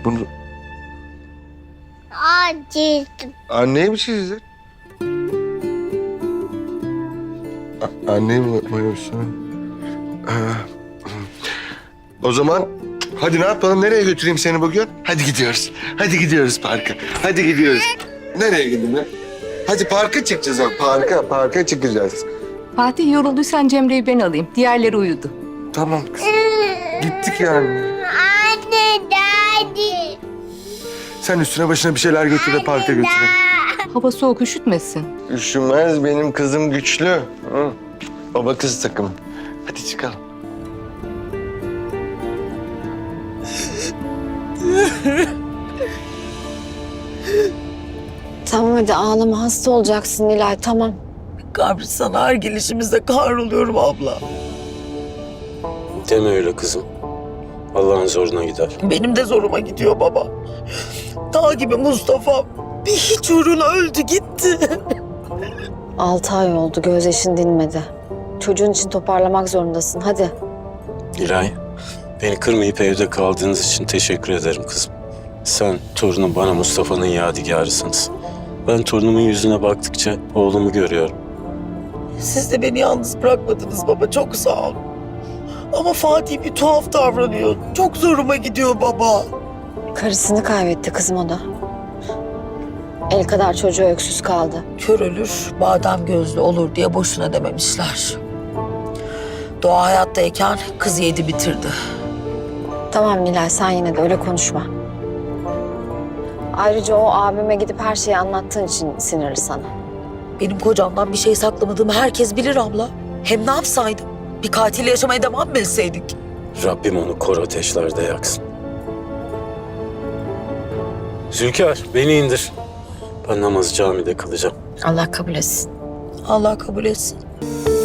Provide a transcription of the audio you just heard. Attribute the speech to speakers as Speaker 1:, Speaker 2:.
Speaker 1: Bunu
Speaker 2: Acıdım.
Speaker 1: anneye mi çizdin? Anneye mi boyamışsın? O zaman hadi ne yapalım? Nereye götüreyim seni bugün? Hadi gidiyoruz. Hadi gidiyoruz parka. Hadi gidiyoruz. Nereye gidelim? Hadi parka çıkacağız. Parka çıkacağız.
Speaker 3: Fatih yorulduysan Cemre'yi ben alayım. Diğerleri uyudu.
Speaker 1: Tamam kızım. Gittik yani.
Speaker 2: Anne, daddy.
Speaker 1: Sen üstüne başına bir şeyler götür de parka götürelim.
Speaker 3: Hava soğuk, üşütmesin.
Speaker 1: Üşümez, benim kızım güçlü. Hı. Baba kız takımı. Hadi çıkalım.
Speaker 4: Tamam hadi ağlama, hasta olacaksın Nilay, tamam.
Speaker 5: Kabristan'a her gelişimizde kahroluyorum abla.
Speaker 6: Deme öyle kızım. Allah'ın zoruna gider.
Speaker 5: Benim de zoruma gidiyor baba. Dağ gibi Mustafa bir hiç uğruna öldü gitti.
Speaker 4: 6 ay oldu, gözyaşın dinmedi. Çocuğun için toparlamak zorundasın, hadi.
Speaker 6: İlay, beni kırmayıp evde kaldığınız için teşekkür ederim kızım. Sen torunum bana Mustafa'nın yadigarısınız. Ben torunumun yüzüne baktıkça oğlumu görüyorum.
Speaker 5: Siz de beni yalnız bırakmadınız baba, çok sağ olun. Ama Fatih bir tuhaf davranıyor. Çok zoruma gidiyor baba.
Speaker 4: Karısını kaybetti kızım o da. El kadar çocuğu öksüz kaldı.
Speaker 5: Kör ölür, badem gözlü olur diye boşuna dememişler. Doğa hayattayken kız yedi bitirdi.
Speaker 4: Tamam Nilay, sen yine de öyle konuşma. Ayrıca o abime gidip her şeyi anlattığın için sinirli sana.
Speaker 5: Benim kocamdan bir şey saklamadığımı herkes bilir abla. Hem ne yapsaydım? Bir katille yaşamaya devam mı etseydik?
Speaker 6: Rabbim onu kor ateşlerde yaksın. Zülkar, beni indir. Ben namazı camide kılacağım.
Speaker 4: Allah kabul etsin.
Speaker 5: Allah kabul etsin.